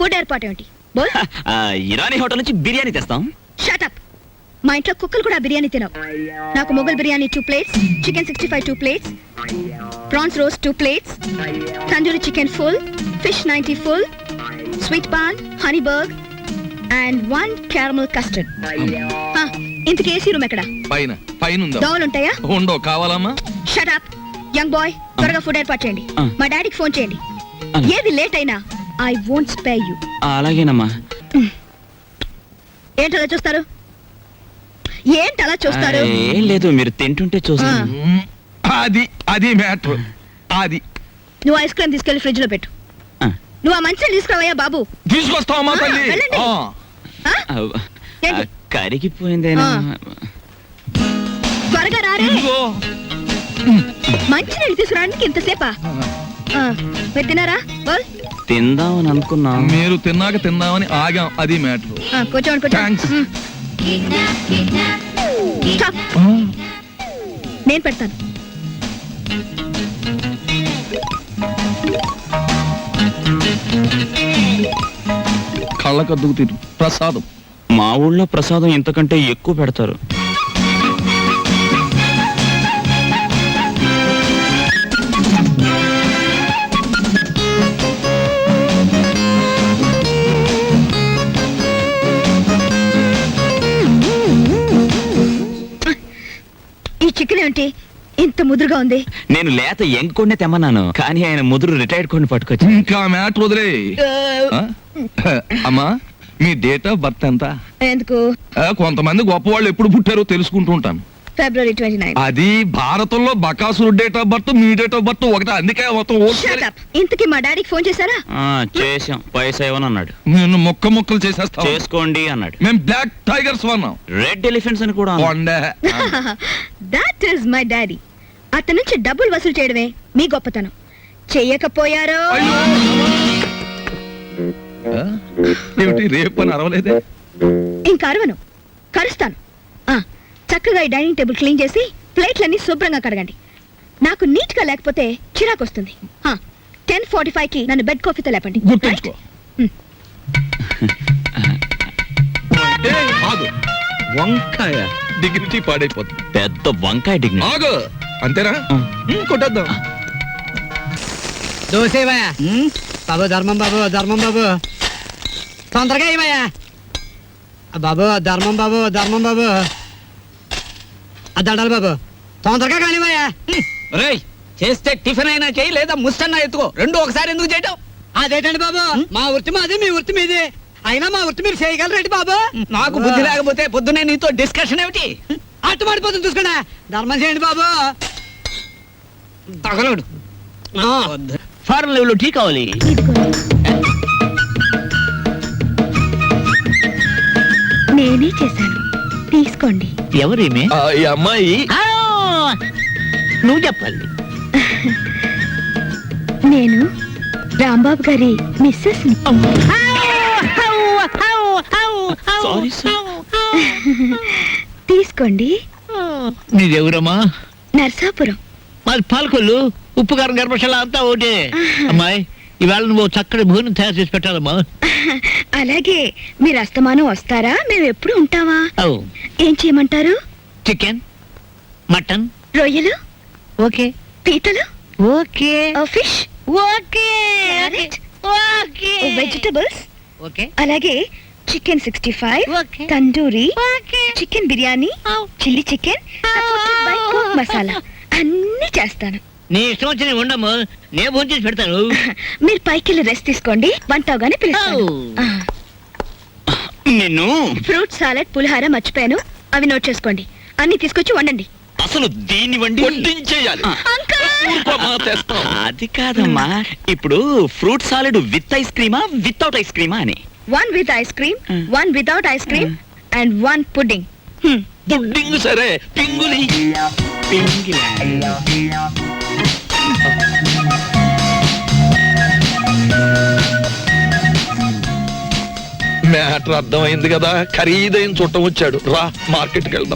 Food ఏర్పాటు ఏమిటి? బోల్. Irani hotel నుంచి బిర్యానీ తెస్తాం. Shut up. మా ఇంట్లో కుక్కలు కూడా బిర్యానీ తినవు. నాకు Mughal biryani 2 plates, chicken 65 2 plates, prawns roast 2 plates, tandoori chicken full, fish 90 full, sweet paan, honey బర్గ్ అండ్ 1 caramel custard. ఇంతకీ ఏసీ రూమ్ ఎక్కడ? పైన ఉందా? దోవలు ఉంటాయా? ఉండో. కావాలమ్మా? Shut up young boy. త్వరగా ఫుడ్ ఏర్పాటు చేయండి. మా డాడీకి ఫోన్ చేయండి. ఏది లేట్ అయినా ఐ వోంట్ స్పేర్ యు. అలాగేనమ్మా. ఏంటలా చూస్తారు? ఏంటలా చూస్తారు? ఏం లేదు, మీరు తింటుంటే చూస్తాను. అది మ్యాటర్. అది నువ్వు ఐస్ క్రీమ్ తీసుకెళ్లి ఫ్రిడ్జ్ లో పెట్టు. నువ్వు ఆ మంచిని తీసుకురావయ్యా బాబు. తీసుకొస్తావమ్మా తల్లి. ఏంటి? కరిగిపోయిందేనా? త్వరగా రారే. మంచి నీళ్ళు తీసుకురావడానికి ఇంతసేపా? మీరు తిన్నారా? బోల్. తిందామని అనుకున్నా. మీరు తిన్నాక తిందామని ఆగాం. అది మ్యాటర్. కూర్చోండి కూర్చోండి. నేను పెడతాను. కళ్ళకద్దుకు తిరు ప్రసాదం. మా ఊళ్ళో ప్రసాదం ఇంతకంటే ఎక్కువ పెడతారు. ఈ చికెన్ ఏంటి ఇంత ముదురుగా ఉంది? నేను లేత ఎంకొండే తెమ్మన్నాను, కానీ ఆయన ముదురు రిటైర్డ్ కొన్ని పట్టుకొచ్చి. ఇంకా మ్యాటర్ వదిలే. అమ్మా, మీ డేట్ ఆఫ్ బర్త్ ఎంత? ఎందుకు? కొంతమంది గొప్ప వాళ్ళు ఎప్పుడు పుట్టారో తెలుసుకుంటూ ఉంటాను. February 29. అది భారతంలో బకాసురు డేట్ ఆఫ్ బర్త్, మీ డేట్ ఆఫ్ బర్త్ ఒకటే. అందుకే మొత్తం ఇంతకీ మా డాడీకి ఫోన్ చేశారా? చేసాం. పైసా ఇవ్వను అన్నాడు. నేను ముక్కలు చేసేస్తా. చేసుకోండి అన్నాడు. మేము బ్లాక్ టైగర్స్ వన్నాం. రెడ్ ఎలిఫెంట్స్ అని కూడా. That is my daddy. అతని నుంచి డబ్బులు వసూలు చేయడమే మీ గొప్పతనం. చెయ్యకపోయారో ఏమిటి రేపు అని అరవలేదే? ఇంకా అరవను, కరుస్తాను. చక్కగా ఈ డైనింగ్ టేబుల్ క్లీన్ చేసి ప్లేట్లన్నీ శుభ్రంగా కడగండి. నాకు నీట్ గా లేకపోతే చిరాకు వస్తుంది. 10:45 కి నన్ను బెడ్ కాఫీతో లేపండి. వంకాయ డిగ్నిటీ పాడైపోతుంది. పెద్ద వంకాయ డిగ్నిటీ. ఆగు. అంతేనా? కొట్టేద్దాం. దోసేవయ్యా బాబు. ధర్మం బాబు, ధర్మం బాబు, తొందరగా ఇవయ్యా బాబు. ధర్మం బాబు, ధర్మం బాబు. దండాలి బాబు, తొందరగా కానివయ్యా. చేస్తే టిఫిన్ అయినా చేయి, లేదా ముస్తన్నా ఎత్తుకో. రెండు ఒకసారి ఎందుకు చేయటం? అదేటండి బాబు, మా వృత్తి మాది, మీ వృత్తి మీది. అయినా మా వృత్తి మీరు చేయగలరేంటి బాబు? నాకు బుద్ధి లేకపోతే పొద్దునే నీతో డిస్కషన్ ఏమిటి? అట్టు పడిపోతుంది చూసుకోండి. ధర్మం చేయండి బాబు. తగలడు. ఫారెన్ లెవెల్ టీ కావాలి. నేనే చేశాను, తీసుకోండి. ఎవరేమే? ఈ అమ్మాయి. నువ్వు చెప్పాలి. నేను రాంబాబు గారి మిస్సెస్. తీసుకోండి. నీదెవరమ్మా? నర్సాపురం. మాది పాలకొల్లు. ఉప్పు కారం గర్భశాల అంతా ఒకటే. అమ్మాయి, ఇవాళ నువ్వు చక్కటి భోజనం తయారు చేసి పెట్టాలమ్మా. అలాగే. మీరు అస్తమానం వస్తారా? మేము ఎప్పుడు ఉంటావా? ఏం చేయమంటారు? చికెన్, మటన్, రొయ్యలు ఓకే, పీతలు okay, fish okay, okay, vegetables okay, అలాగే chicken 65, okay, tandoori, okay, chicken biryani, chilli chicken, masala అన్ని చేస్తాను. నీ ఇష్టం వచ్చి ఉండము. నేను భోజనం చేసి పెడతాను. మీరు పైకి వెళ్ళి రెస్ట్ తీసుకోండి. వంట అవగానే పిలుస్తాను. నిన్ను ఫ్రూట్ సాలెడ్, పులిహార మర్చిపోయాను, అవి నోట్ చేసుకోండి. అన్ని తీసుకొచ్చి వండండి. అసలు దీన్ని వడ్డించేయాలి. అది కాదమ్మా, ఇప్పుడు ఫ్రూట్ సాలెడ్ విత్ ఐస్ క్రీమా వితౌట్ ఐస్ క్రీమా అని. 1 with ice cream, 1 without ice cream, and 1 pudding. Pudding సరే, పింగులి. మ్యాటర్ అర్థమైంది కదా. ఖరీదైన చుట్టం వచ్చాడు. రా, మార్కెట్కి వెళ్దాం.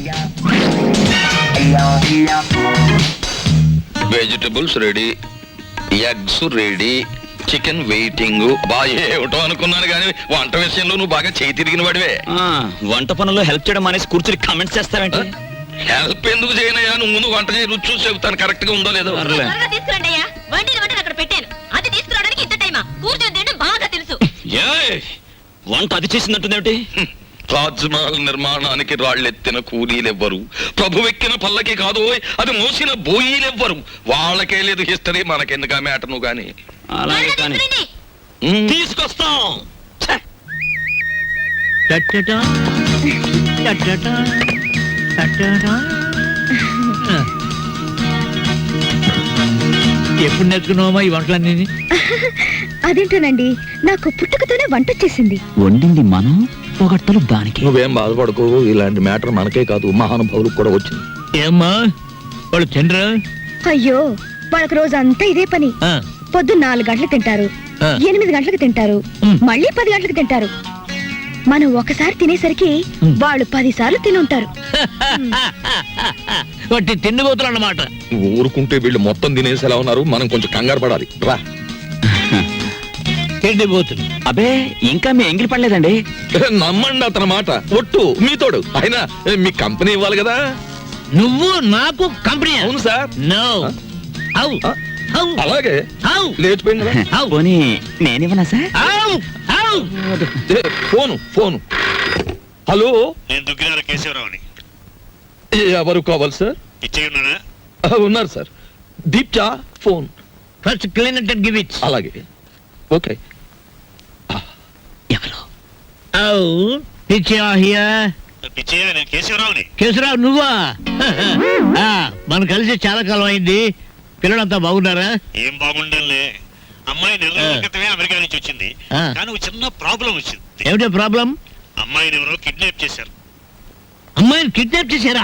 Vegetables ready, eggs ready, chicken waiting బాగా ఏమిటో అనుకున్నాను కానీ వంట విషయంలో నువ్వు బాగా చేయి తిరిగిన వాడివే. వంట పనుల్లో హెల్ప్ చేయడం అనేసి కూర్చుని కామెంట్స్ చేస్తావేంటి? హెల్ప్ ఎందుకు చేయనయ్యా? నువ్వు ముందు వంట చేయి, రుచి చూసి చెబుతాను కరెక్ట్ గా ఉందో లేదో. త్వరగా తీసుకురండి అయ్యా. వండిన వంటను అక్కడ పెట్టాను. అది తీసుకురావడానికి ఇంత టైమా? కూర్చొని తినడం బాగా తెలుసు. ఏయ్, వంట అది చేసిందంటుందేమిటి? తాజ్ మహల్ నిర్మాణానికి రాళ్ళెత్తిన కూలీలెవ్వరు, ప్రభువెక్కిన పల్లకి కాదు అది మోసిన బోయీలెవ్వరు. వాళ్ళకే లేదు హిస్టరీ, మనకెందుకు ఆ మ్యాటర్ నువ్వు గాని. అలాగే త్వరగా కానీ తీసుకురండి. తీసుకొస్తాం. టట్టటా, టట్టటా, టట్టటా. ఎప్పుడు నేర్చుకున్నావమ్మా ఈ వంటలన్నీ? అదేంటోనండి, నాకు పుట్టుకతోనే వంట వచ్చేసింది. వండింది మనం, పొగట్టలు దానికి. నువ్వేం బాధపడకు, ఇలాంటి మ్యాటర్ మనకే కాదు మహానుభావులకు కూడా వచ్చింది. ఏమ్మా వాళ్ళు తినరా? అయ్యో, వాళ్ళకి రోజంతా ఇదే పని. ఆ, పొద్దున్న 4 గంటలకు తింటారు, ఆ. 8 గంటలకు తింటారు, మ్. మళ్ళీ 10 గంటలకు తింటారు. మనం ఒకసారి తినేసరికి మ్. వాళ్ళు 10 సార్లు తిని ఉంటారు. వాటి తిండిపోతులు అన్నమాట. నువ్వు ఊరుకుంటే వీళ్ళు మొత్తం తినేసి ఎలా ఉన్నారు, మనం కొంచెం కంగారు పడాలి రా. తిండిపోతులు. అబే, ఇంకా మీ ఎంగిలి పడలేదండి. నమ్మండి అతని మాట, ఒట్టు మీతోడు. అయినా మీ కంపెనీ ఇవ్వాలి కదా. నువ్వు నాకు కంపెనీ? అవును సార్. నో. హౌ ఆ, హౌ అలాగే హౌ లేచిపోయింది కదా. పోనీ నేనివ్వనా సార్? How how. ఏ, ఫోను. హలో, నేను దుగ్గినార కేశవరావుని. ఎవరు కావాలి సార్? ఇచ్చేయి ఉన్నానా? ఉన్నారు సార్. దీప్చా phone. First clean it and give it. అలాగే ఓకే. ఎవరు? How Pichcha here. పిచ్చయ్య, నేను కేశవరావుని. కేశరావు నువ్వా? ఆ, మనం కలిసి చాలా కాలం అయింది. పిల్లలంతా బాగున్నారా? ఏం బాగుండంలే. అమ్మాయి నెల రోజుల క్రితమే అమెరికా నుంచి వచ్చింది. ఆ. కానీ ఒక చిన్న ప్రాబ్లం వచ్చింది. ఏమిటో ప్రాబ్లం? అమ్మాయిని ఎవరో కిడ్నాప్ చేశారు. అమ్మాయిని కిడ్నాప్ చేశారా?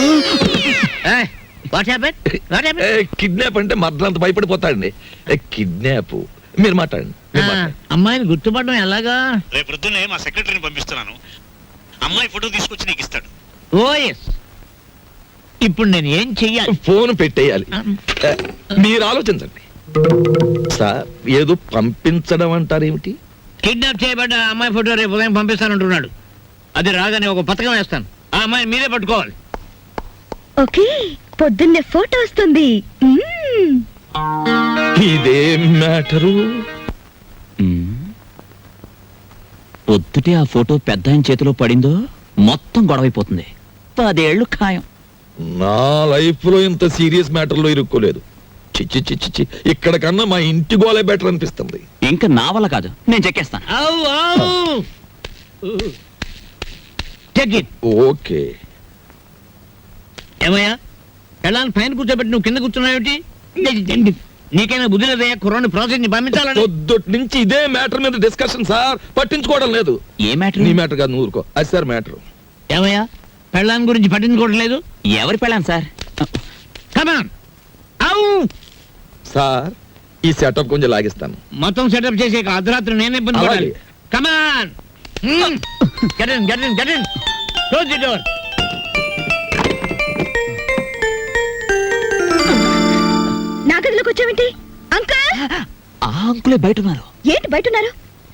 What happen? What happen? Kidnap అంటే మర్దలంత భయపడిపోతాడండి. కిడ్నాప్ మీరు మాట్లాడండి, మీరు మాట్లాడండి. అమ్మాయిని గుర్తుపడడం ఎలాగా? రేపు పొద్దున్నే మా సెక్రటరీని పంపిస్తున్నాను. అమ్మాయి ఫోటో తీసుకొచ్చి నీకు ఇస్తాడు. Oh yes. ఇప్పుడు నేను ఏం చెయ్యాలి? ఫోన్ పెట్టేయాలి. మీరు ఆలోచించండి సార్. ఏదో పంపించడం అంటారేమిటి? కిడ్నాప్ చేయబడ్డ అమ్మాయి ఫోటో రేపు ఉదయం పంపిస్తానంటున్నాడు. అది రాగానే ఒక పథకం వేస్తాను. ఆ అమ్మాయిని మీరే పట్టుకోవాలి. ఓకే, పొద్దున్నే ఫోటో వస్తుంది. ఇదేం మ్యాటరు? పొద్దుటే ఆ ఫోటో పెద్ద ఆయన చేతిలో పడిందో మొత్తం గొడవైపోతుంది. 10 ఏళ్ళు ఖాయం. నా లైఫ్ లో ఇంత సీరియస్ మ్యాటర్ లో ఇరుక్కోలేదు. చిచ్చి చిచ్చి చి, ఇక్కడ కన్నా మా ఇంటి గోలే బెటర్ అనిపిస్తుంది. ఇంకా నా వల్ల కాదు, నేను చెక్కేస్తాను. ఔ, ఔ. Take it. ఓకే. ఏమయ్యా, ఎలా పైన కూర్చోబెట్టి నువ్వు కింద కూర్చున్నావేమిటి? నీకైనా బుద్ధి లేదయ్యా? కుర్రాన్ని ప్రాసెస్ ని పంపించాలని. పొద్దుటి నుంచి ఇదే మ్యాటర్ మీద డిస్కషన్ సార్. పట్టించుకోవడం లేదు. ఏ మ్యాటర్? నీ మ్యాటర్ కాదు, నువ్వు ఊరుకో. అది సార్ మ్యాటర్. ఏమయ్యా, పెళ్ళాం గురించి పట్టించుకోవట్లేదు? ఎవరి పెళ్ళాను సార్? కమాన్. ఔ. సార్, ఈ సెటప్ కొంచెం లాగిస్తాను. మొత్తం సెటప్ చేసే అర్ధరాత్రి నేనే ఇబ్బంది పడాలి. అలాగే. Come on. Get in, get in, get in. Close the door. నా గదిలోకి వచ్చావేంటి అంకుల్? ఆ అంకులే బయట ఉన్నారు. ఏంటి బయట ఉన్నారు?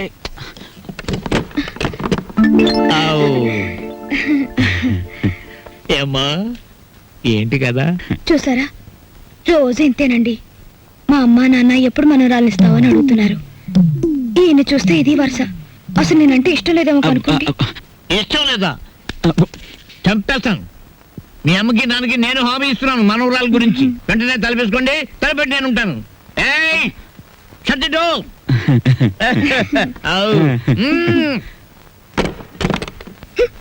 ఏమ్మా, ఏంటి కదా? చూసారా, రోజు ఇంతేనండి. మా అమ్మా నాన్న ఎప్పుడు మనోరాలు ఇస్తావని అడుగుతున్నారు. ఈయన చూస్తే ఇది వరుస. అసలు నేనంటే ఇష్టం లేదేమో అనుకోండి. ఇష్టం లేదా? చంపేస్తాను. మీ అమ్మకి నాన్నకి నేను హామీ ఇస్తున్నాను మనవరాల గురించి. వెంటనే తలపేసుకోండి, తలపెట్టి నేను ఉంటాను. ఏయ్, shut the door. ఔ.